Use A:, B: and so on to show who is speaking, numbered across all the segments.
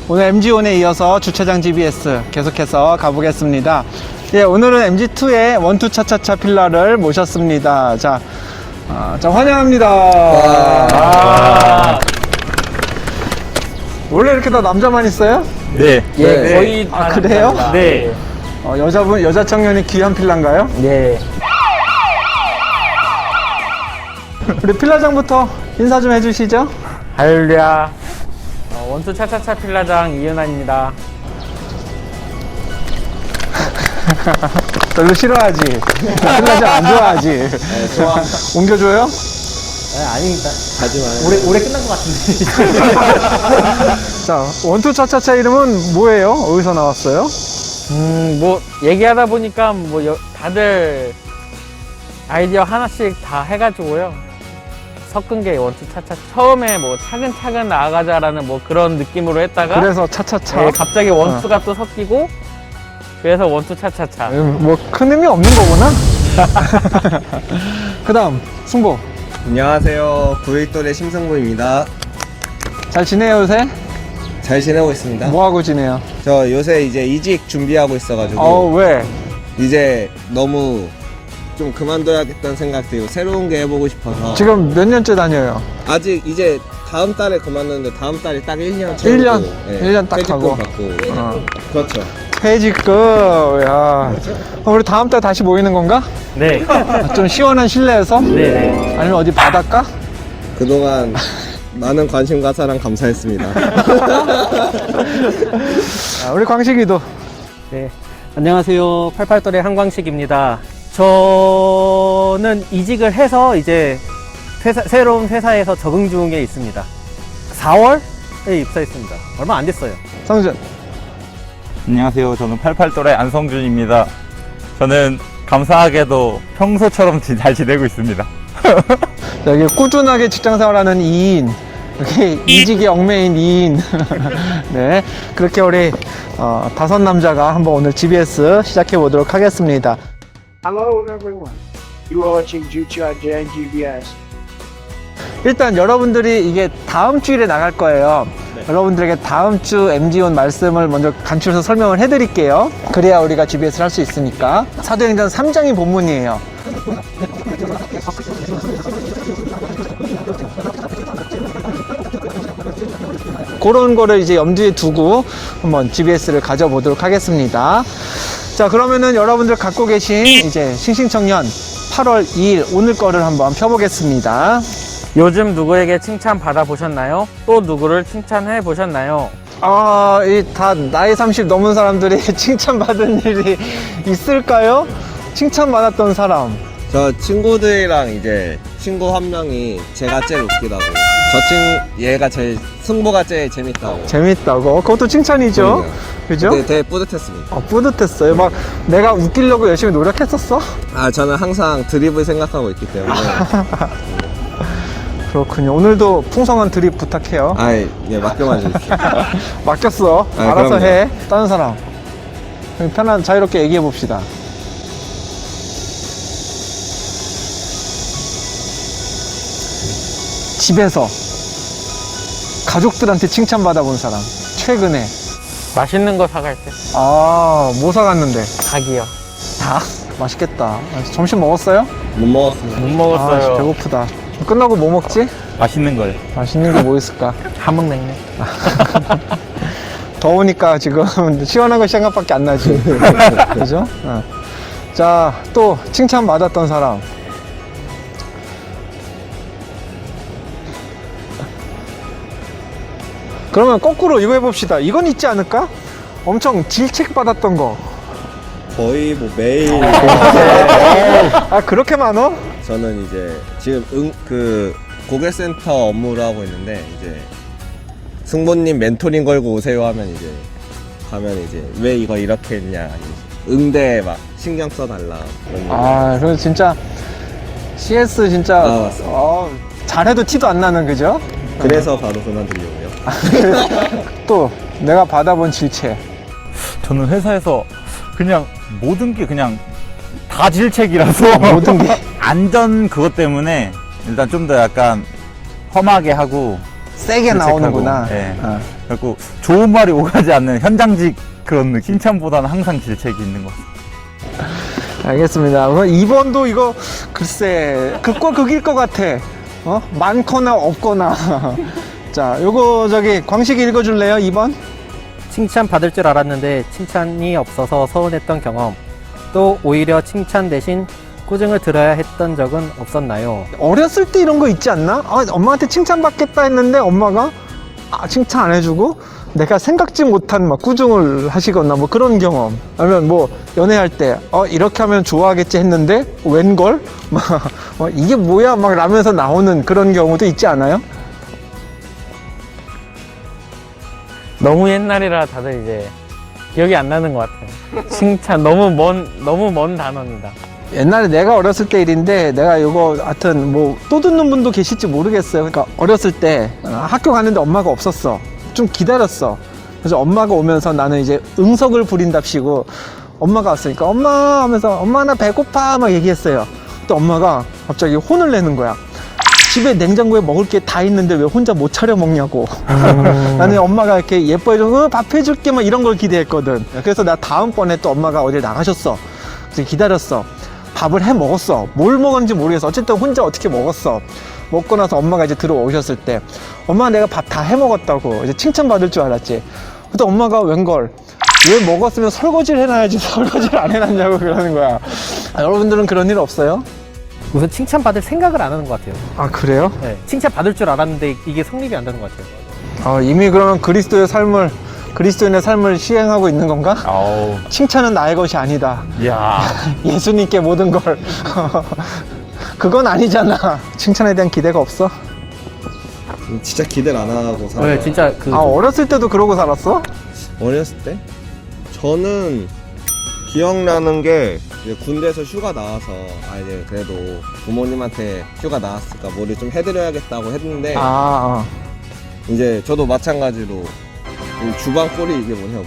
A: 오늘 MG1에 이어서 주차장 GBS 계속해서 가보겠습니다. 예, 오늘은 MG2의 원투 차차차 필라를 모셨습니다. 자, 환영합니다. 원래 이렇게 다 남자만 있어요?
B: 네.
C: 예, 거의 다
A: 그래요?
C: 남자입니다. 네.
A: 여자 청년이 귀한 필라인가요?
C: 네.
A: 우리 필라장부터 인사 좀 해주시죠.
C: 할렐루야. 원투 차차차 필라장 이은환입니다.
A: 별로 싫어하지. 필라장 안 좋아하지.
B: 네, 좋아.
A: 옮겨줘요?
C: 네, 아닙니다.
B: 가지 마요.
C: 올해 끝난 것 같은데.
A: 자, 원투 차차차 이름은 뭐예요? 어디서 나왔어요?
C: 뭐, 얘기하다 보니까 다들 아이디어 하나씩 다 해가지고요. 섞은 게 원투 차차. 처음에 뭐 차근차근 나아가자라는 뭐 그런 느낌으로 했다가.
A: 그래서 차차차.
C: 네, 갑자기 원투가 또 섞이고. 그래서 원투 차차차.
A: 뭐 큰 의미 없는 거구나. 그 다음 승보.
B: 안녕하세요. 9일돌의 심승부입니다.
A: 잘 지내요 요새?
B: 잘 지내고 있습니다.
A: 뭐하고 지내요?
B: 저 요새 이제 이직 준비하고 있어가지고
A: 왜?
B: 이제 너무 좀 그만둬야겠다는 생각 들고 새로운 게 해보고 싶어서
A: 지금 몇 년째 다녀요?
B: 아직 이제 다음 달에 그만뒀는데 다음 달에 딱 1년
A: 1년? 1년 딱
B: 퇴직금
A: 하고.
B: 받고
A: 어.
B: 그렇죠.
A: 퇴직금. 야. 우리 다음 달 다시 모이는 건가?
C: 네.
A: 좀 시원한 실내에서?
C: 네네.
A: 아니면 어디 바닷가?
B: 그동안 많은 관심과 사랑 감사했습니다.
A: 우리 광식이도.
D: 네, 안녕하세요. 88돌의 한광식입니다. 저는 이직을 해서 이제 새로운 회사에서 적응 중에 있습니다. 4월에 입사했습니다. 얼마 안 됐어요.
A: 성준.
E: 안녕하세요. 저는 88돌의 안성준입니다. 저는 감사하게도 평소처럼 잘 지내고 있습니다.
A: 여기 꾸준하게 직장 생활하는 2인. 여기 이직에 얽매인 2인. 네. 그렇게 우리 5남자가 한번 오늘 GBS 시작해 보도록 하겠습니다.
F: Hello everyone. You are watching 주차장 GBS.
A: 일단 여러분들이 이게 다음 주일에 나갈 거예요. 여러분들에게 다음 주 MG1 말씀을 먼저 간추려서 설명을 해드릴게요. 그래야 우리가 GBS를 할 수 있으니까. 사도행전 3장이 본문이에요. 그런 거를 이제 염두에 두고 한번 GBS를 가져보도록 하겠습니다. 자, 그러면은 여러분들 갖고 계신 이제 싱싱청년 8월 2일 오늘 거를 한번 펴보겠습니다.
C: 요즘 누구에게 칭찬 받아보셨나요? 또 누구를 칭찬해 보셨나요?
A: 다 나이 30 넘은 사람들이 칭찬받은 일이 있을까요? 칭찬받았던 사람.
B: 저 친구들이랑 이제 친구 한 명이 제가 제일 웃기다고 얘가 제일 승보가 제일 재밌다고
A: 재밌다고. 그것도 칭찬이죠.
B: 그럼요.
A: 그죠?
B: 근데 되게 뿌듯했습니다.
A: 뿌듯했어요. 막 내가 웃기려고 열심히 노력했었어?
B: 저는 항상 드립을 생각하고 있기 때문에
A: 그렇군요. 오늘도 풍성한 드립 부탁해요.
B: 예, 맡겨만 주십시오.
A: 맡겼어. 알아서
B: 그럼요.
A: 해. 다른 사람. 편한 자유롭게 얘기해 봅시다. 집에서 가족들한테 칭찬받아본 사람. 최근에.
C: 맛있는 거 사갈 때.
A: 뭐 사갔는데?
C: 닭이요.
A: 닭? 맛있겠다. 점심 먹었어요?
B: 못 먹었습니다.
C: 못 먹었어요.
A: 배고프다. 끝나고 뭐 먹지?
E: 맛있는 걸.
A: 맛있는 게 뭐 있을까?
C: 함흥냉면.
A: 더우니까 지금 시원한 거 생각밖에 안 나지. 그죠? 자, 또 칭찬받았던 사람. 그러면 거꾸로 이거 해봅시다. 이건 있지 않을까? 엄청 질책받았던 거.
B: 거의 뭐 매일
A: 그렇게 많어?
B: 저는 이제 지금 고객센터 업무를 하고 있는데 이제 승보님 멘토링 걸고 오세요 하면 이제 가면 이제 왜 이거 이렇게 했냐 응대 막 신경 써달라 그런 얘기.
A: 그럼 진짜 CS 진짜
B: 맞습니다.
A: 잘해도 티도 안 나는, 그죠?
B: 그래서 바로 그만두려고요.
A: 또 내가 받아본 질책.
E: 저는 회사에서 그냥 모든 게 그냥 다 질책이라서
A: 모든 게
E: 안전 그것 때문에 일단 좀 더 약간 험하게 하고
A: 세게
E: 질책하고,
A: 나오는구나.
E: 예. 그리고 좋은 말이 오가지 않는 현장직 그런 느낌. 칭찬보다는 항상 질책이 있는 것 같아요.
A: 알겠습니다. 그럼 2번도 이거 글쎄 극과 극일 것 같아. 많거나 없거나. 자, 요거 저기 광식이 읽어줄래요? 2번.
D: 칭찬 받을 줄 알았는데 칭찬이 없어서 서운했던 경험. 또 오히려 칭찬 대신 꾸중을 들어야 했던 적은 없었나요?
A: 어렸을 때 이런 거 있지 않나? 엄마한테 칭찬받겠다 했는데 엄마가 칭찬 안 해주고 내가 생각지 못한 막 꾸중을 하시거나 뭐 그런 경험. 아니면 뭐 연애할 때 이렇게 하면 좋아하겠지 했는데 웬걸? 막 이게 뭐야? 막 라면서 나오는 그런 경우도 있지 않아요?
C: 너무 옛날이라 다들 이제 기억이 안 나는 것 같아요. 칭찬 너무 먼 단어입니다.
A: 옛날에 내가 어렸을 때 일인데 내가 이거 하여튼 뭐 또 듣는 분도 계실지 모르겠어요. 그러니까 어렸을 때 학교 가는데 엄마가 없었어. 좀 기다렸어. 그래서 엄마가 오면서 나는 이제 응석을 부린답시고 엄마가 왔으니까 엄마 하면서 엄마 나 배고파 막 얘기했어요. 근데 엄마가 갑자기 혼을 내는 거야. 집에 냉장고에 먹을 게 다 있는데 왜 혼자 못 차려 먹냐고. 나는 엄마가 이렇게 예뻐해줘 밥 해줄게 막 이런 걸 기대했거든. 그래서 나 다음번에 또 엄마가 어딜 나가셨어. 그래서 기다렸어. 밥을 해 먹었어. 뭘 먹었는지 모르겠어. 어쨌든 혼자 어떻게 먹었어. 먹고 나서 엄마가 이제 들어오셨을 때 엄마 내가 밥 다 해 먹었다고 이제 칭찬받을 줄 알았지. 근데 엄마가 웬걸 왜 먹었으면 설거지를 해놔야지 설거지를 안 해놨냐고 그러는 거야. 여러분들은 그런 일 없어요?
D: 우선 칭찬 받을 생각을 안 하는 것 같아요.
A: 아 그래요?
D: 네, 칭찬 받을 줄 알았는데 이게 성립이 안 되는 것 같아요.
A: 이미 그러면 그리스도인의 삶을 시행하고 있는 건가?
E: 아우,
A: 칭찬은 나의 것이 아니다.
E: 야,
A: 예수님께 모든 걸. 그건 아니잖아. 칭찬에 대한 기대가 없어?
B: 진짜 기대를 안 하고 살아요.
D: 네, 진짜
A: 어렸을 때도 그러고 살았어?
B: 어렸을 때? 저는 기억나는 게 이제 군대에서 휴가 나와서 이제 그래도 부모님한테 휴가 나왔으니까 뭐를 좀 해드려야겠다고 했는데 이제 저도 마찬가지로 이 주방 꼴이 이게 뭐냐고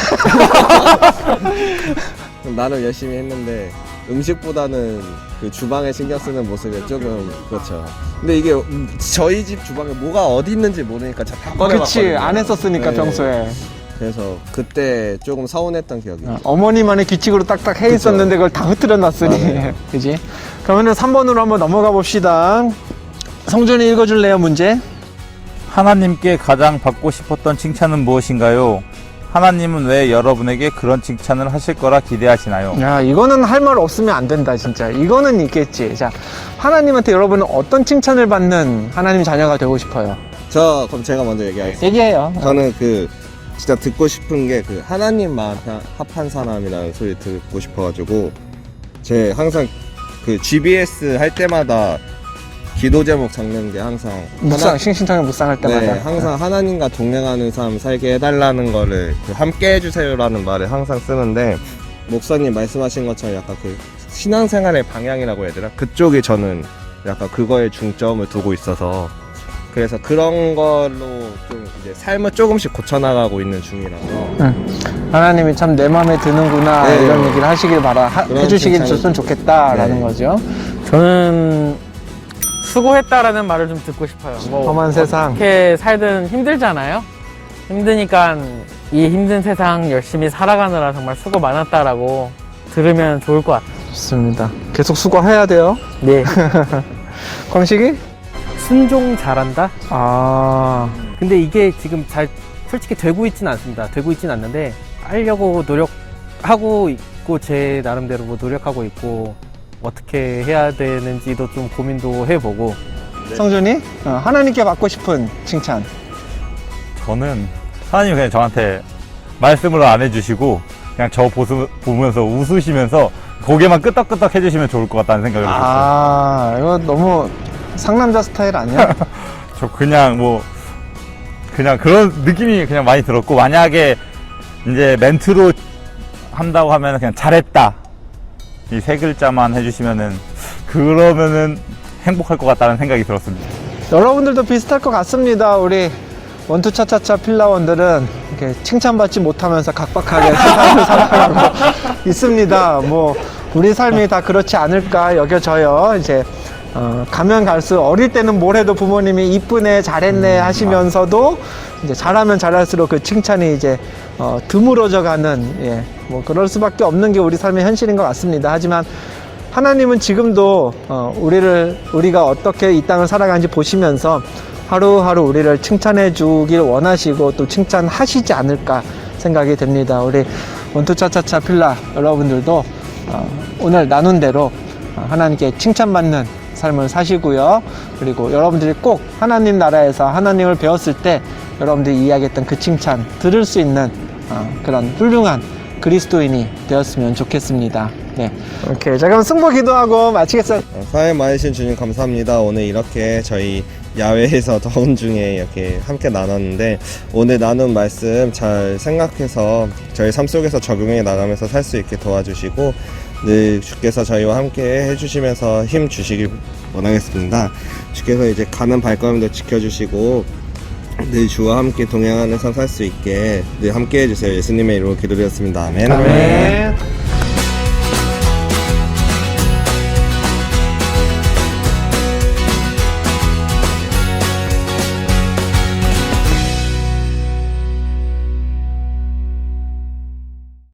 B: 나는 열심히 했는데 음식보다는 그 주방에 신경 쓰는 모습이 조금 그렇죠. 근데 이게 저희 집 주방에 뭐가 어디 있는지 모르니까 다 꺼내봤거든요.
A: 그치, 안 했었으니까
B: 네.
A: 평소에.
B: 그래서 그때 조금 서운했던 기억이 있어요.
A: 어머니만의 규칙으로 딱딱 해 있었는데 그걸 다 흐트려 놨으니.
B: 맞아요.
A: 그지? 그러면은 3번으로 한번 넘어가 봅시다. 성준이 읽어줄래요, 문제?
E: 하나님께 가장 받고 싶었던 칭찬은 무엇인가요? 하나님은 왜 여러분에게 그런 칭찬을 하실 거라 기대하시나요?
A: 야, 이거는 할 말 없으면 안 된다, 진짜. 이거는 있겠지. 자, 하나님한테 여러분은 어떤 칭찬을 받는 하나님 자녀가 되고 싶어요?
B: 그럼 제가 먼저 얘기하겠습니다.
A: 얘기해요.
B: 저는 진짜 듣고 싶은 게 하나님만 합한 사람이라는 소리 듣고 싶어가지고 제 항상 GBS 할 때마다 기도 제목 적는 게 항상
A: 싱싱탕에 묵상할 때마다.
B: 네, 항상 하나님과 동행하는 삶 살게 해달라는 거를 함께 해주세요라는 말을 항상 쓰는데 목사님 말씀하신 것처럼 약간 신앙생활의 방향이라고 해야 되나? 그쪽이 저는 약간 그거에 중점을 두고 있어서 그래서 그런 걸로 좀 이제 삶을 조금씩 고쳐나가고 있는 중이라서
A: 하나님이 참 내 마음에 드는구나
B: 네.
A: 이런 얘기를 하시길 해주시길
B: 칭찬이
A: 줬으면 좋겠다라는
B: 네.
A: 거죠.
C: 저는 수고했다라는 말을 좀 듣고 싶어요.
A: 험한 세상.
C: 어떻게 살든 힘들잖아요. 힘드니까 이 힘든 세상 열심히 살아가느라 정말 수고 많았다라고 들으면 좋을 것 같아요.
A: 좋습니다. 계속 수고해야 돼요.
C: 네.
A: 광식이?
D: 순종 잘한다? 근데 이게 지금 솔직히 되고 있지는 않습니다. 되고 있지는 않는데 하려고 노력하고 있고 제 나름대로 뭐 노력하고 있고 어떻게 해야 되는지도 좀 고민도 해보고.
A: 성준이? 하나님께 받고 싶은 칭찬.
E: 저는 하나님이 그냥 저한테 말씀을 안 해주시고 그냥 저 보면서 웃으시면서 고개만 끄덕끄덕 해주시면 좋을 것 같다는 생각을 했어요.
A: 이거 너무 상남자 스타일 아니야?
E: 저 그냥 그런 느낌이 그냥 많이 들었고 만약에 이제 멘트로 한다고 하면 그냥 잘했다 이 세 글자만 해주시면은 그러면은 행복할 것 같다는 생각이 들었습니다.
A: 여러분들도 비슷할 것 같습니다. 우리 원투차차차 필라원들은 이렇게 칭찬받지 못하면서 각박하게 세상을 살아가고 있습니다. 뭐 우리 삶이 다 그렇지 않을까 여겨져요. 이제 가면 갈수록 어릴 때는 뭘 해도 부모님이 이쁘네, 잘했네 하시면서도 이제 잘하면 잘할수록 그 칭찬이 이제 드물어져 가는, 예, 뭐 그럴 수밖에 없는 게 우리 삶의 현실인 것 같습니다. 하지만 하나님은 지금도 우리가 어떻게 이 땅을 살아가는지 보시면서 하루하루 우리를 칭찬해 주길 원하시고 또 칭찬하시지 않을까 생각이 됩니다. 우리 원투차차차 필라 여러분들도 오늘 나눈 대로 하나님께 칭찬받는 삶을 사시고요. 그리고 여러분들이 꼭 하나님 나라에서 하나님을 배웠을 때 여러분들이 이야기했던 그 칭찬 들을 수 있는 그런 훌륭한 그리스도인이 되었으면 좋겠습니다. 네. 오케이. 자, 그럼 승부 기도하고 마치겠습니다.
B: 사연 많으신 주님 감사합니다. 오늘 이렇게 저희 야외에서 더운 중에 이렇게 함께 나눴는데 오늘 나눈 말씀 잘 생각해서 저희 삶 속에서 적용해 나가면서 살 수 있게 도와주시고 늘 주께서 저희와 함께 해주시면서 힘 주시길 원하겠습니다. 주께서 이제 가는 발걸음도 지켜주시고 늘 주와 함께 동행하는 삶 살 수 있게 늘 함께 해주세요. 예수님의 이름으로 기도드렸습니다. 아멘.
A: 아멘.